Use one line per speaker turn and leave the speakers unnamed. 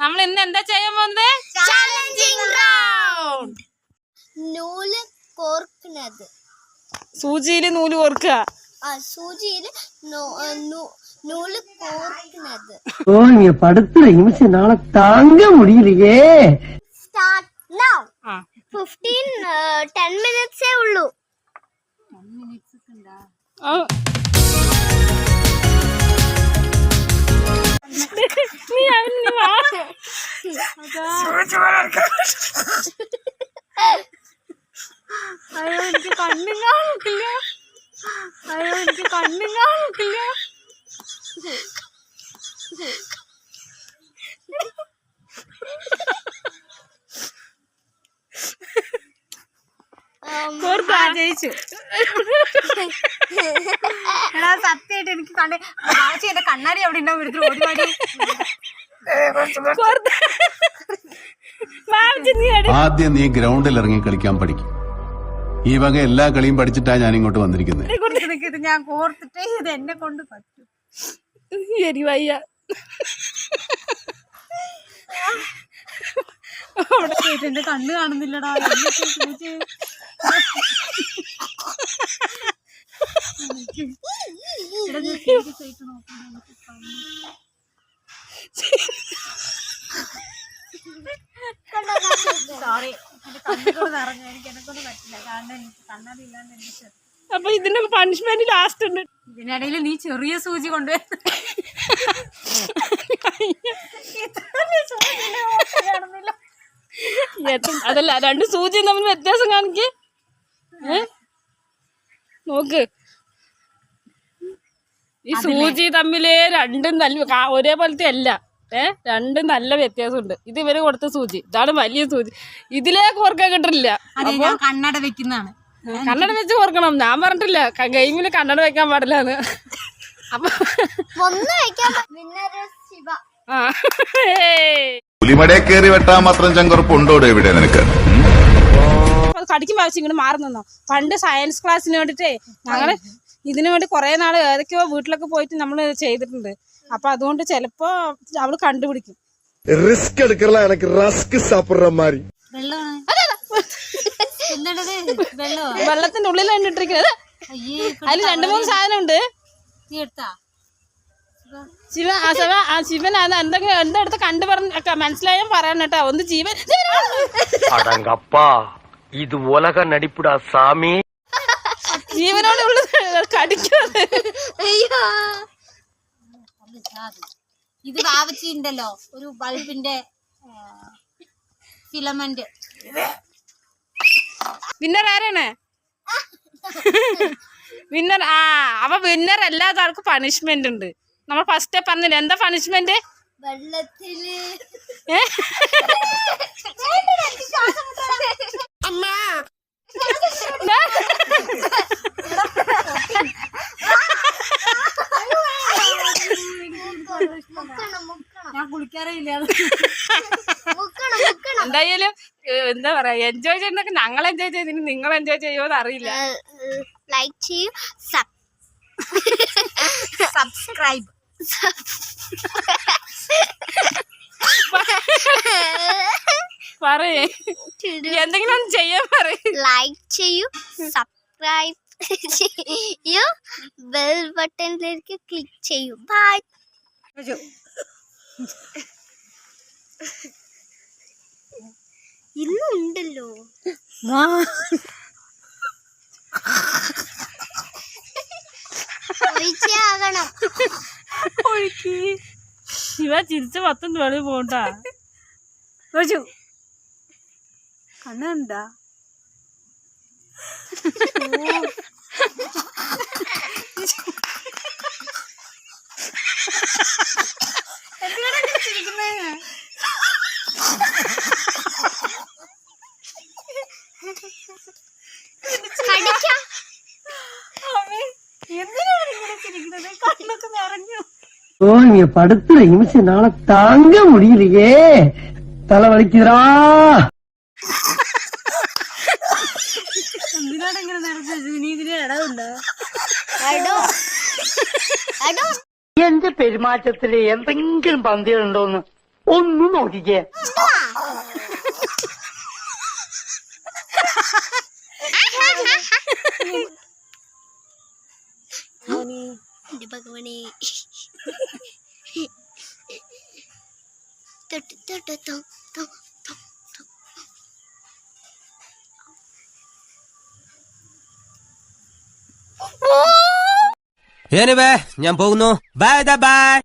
നമ്മൾ ഇന്ന് എന്താ ചെയ്യാൻ പോകുന്നത്? Challenging round.
നൂല് കോർക്കുന്നത്.
സൂചിയില് നൂല് കോർക്കുക.
സൂചിയില് നൂല് കോർക്കുന്നത്.
ஓ நீங்க படுத்துற நிமிஷம் நாள தாங்க முடியலையே.
Start now. 10 minutes ഉള്ളൂ.
10 minutes ഉണ്ടാ? നീ അവന് വാ. അയ്യോ എനിക്ക് കണ്ണും കാണില്ല. അയ്യോ എനിക്ക് കണ്ണും കാണില്ല. ജയിച്ചു.
സത്യമായിട്ട് എനിക്ക് എന്റെ കണ്ണാടി അവിടെ ഉണ്ടാവും എടുത്തിട്ട് ഓടി
ആദ്യം നീ ഗ്രൗണ്ടിൽ ഇറങ്ങി കളിക്കാൻ പഠിക്കും. ഈ വക എല്ലാ കളിയും പഠിച്ചിട്ടാ ഞാൻ ഇങ്ങോട്ട് വന്നിരിക്കുന്നത്.
ഇത് ഞാൻ കോർത്തിട്ട് ഇത് എന്നെ കൊണ്ട് പറ്റും.
എരിവയ്യ
അവിടെ പോയിട്ട് എന്റെ കണ്ണ് കാണുന്നില്ലടാ. സോറി എന്റെ കണ്ണുകൊണ്ട് നിറഞ്ഞു. എനിക്ക് എന്നെ കൊണ്ട് പറ്റില്ല. കാരണം എനിക്ക് കണ്ണാടി ഇല്ലാണ്ട് എന്റെ ചെറുപ്പം.
അപ്പൊ ഇതിന്റെ പണിഷ്മെന്റ് ലാസ്റ്റ് ഉണ്ട്.
ഇതിനിടയിൽ നീ ചെറിയ സൂചി കൊണ്ടുവരുന്ന
അതല്ല, രണ്ട് സൂചി തമ്മിൽ വ്യത്യാസം കാണിക്ക്. നോക്ക്, ഈ സൂചി തമ്മില് രണ്ടും നല്ല ഒരേപോലത്തെ അല്ല. രണ്ടും നല്ല വ്യത്യാസമുണ്ട്. ഇത് ഇവര് കൊടുത്ത സൂചി, ഇതാണ് വലിയ സൂചി. ഇതിലേക്ക് കോർക്കാൻ കിട്ടില്ല.
കണ്ണട വെക്കുന്നതാണ്.
കണ്ണട വെച്ച് കോർക്കണം. ഞാൻ പറഞ്ഞിട്ടില്ല ഗെയിമില് കണ്ണട വെക്കാൻ പാടില്ലാന്ന്. അപ്പൊ
പുലിമടയെ കയറി വെട്ടാൻ മാത്രം ചങ്കുറപ്പുണ്ടോടെ ഇവിടെ നിനക്ക്?
കടിക്കുമ്പോ ആവശ്യം ഇങ്ങോട്ട് മാറി നിന്നോ. പണ്ട് സയൻസ് ക്ലാസ്സിന് വേണ്ടിട്ടേ ഞങ്ങള് ഇതിനു വേണ്ടി കുറെ നാള് ഏതൊക്കെയോ വീട്ടിലൊക്കെ പോയിട്ട് നമ്മള് ചെയ്തിട്ടുണ്ട്. അപ്പൊ അതുകൊണ്ട് ചിലപ്പോ അവള് കണ്ടുപിടിക്കും.
റിസ്ക് എടുക്കല എനിക്ക് റസ്ക് സാപ്പിടുற மாதிரி.
വെള്ളത്തിന്റെ ഉള്ളിലാണ് ഇട്ടിരിക്കുന്നത്. അതില് 2-3 സാധനം ഉണ്ട്. ശിവൻ അത് എന്തൊക്കെ അടുത്ത് കണ്ടു പറഞ്ഞ മനസ്സിലായാൽ പറയണം കേട്ടോ. ഒന്ന് ജീവൻ
അടങ്കപ്പാ ഇത് ഉലക നടിപ്പിടാ സാമി.
ജീവനോട് ഉള്ളത് കടിക്കും.
ഇത് വാവച്ചിണ്ടല്ലോ ഒരു ബൾബിന്റെ ഫിലമെന്റ്.
വിന്നർ ആരാണ്? വിന്നർ. അപ്പൊ വിന്നർ അല്ലാത്ത ആൾക്ക് പണിഷ്മെന്റ് ഉണ്ട്. നമ്മൾ ഫസ്റ്റ് പറഞ്ഞില്ല എന്താ പണിഷ്മെന്റ്?
വെള്ളത്തില്
ഞാൻ കുളിക്കാറേ ഇല്ല.
എന്തായാലും എന്താ പറയാ, എൻജോയ് ചെയ്യുന്നൊക്കെ ഞങ്ങൾ എൻജോയ് ചെയ്തിന്, നിങ്ങൾ എൻജോയ് ചെയ്യുമോന്ന് അറിയില്ല.
ലൈക്ക് ചെയ്യൂ,
സബ്സ്ക്രൈബ്
പറയേ, എന്തെങ്കിലും ഒന്ന് ചെയ്യാൻ പറയും.
ലൈക്ക് ചെയ്യൂ, സബ്സ്ക്രൈബ് ചെയ്യൂ, ബെൽ ബട്ടണിലേക്ക് ക്ലിക്ക് ചെയ്യൂ. ബൈ. ഇന്നും ഉണ്ടല്ലോ. ഒഴിച്ചാകണം.
ഒഴുക്കി ഇവ ചിരിച്ച 10 വെളിയിൽ പോണ്ടാ.
കണ്ണുണ്ടാ
ஓ நீங்க படுத்துற நிமிஷம் நாள தாங்க முடியலையே. தலை வலிக்குதுடா.
എന്തിനാണ് ഇങ്ങനെ നടന്നത്? നീ ഇതിന് ഇടവുണ്ടോ?
എന്റെ പെരുമാറ്റത്തില് എന്തെങ്കിലും പന്തികളുണ്ടോന്ന് ഒന്ന് നോക്കിക്കേ.
എന്റെ ഭഗവാനെ തൊട്ട് തൊട്ട് തൊ തൊ തൊ തൊ.
ഞാൻ പോകുന്നു. Bye by.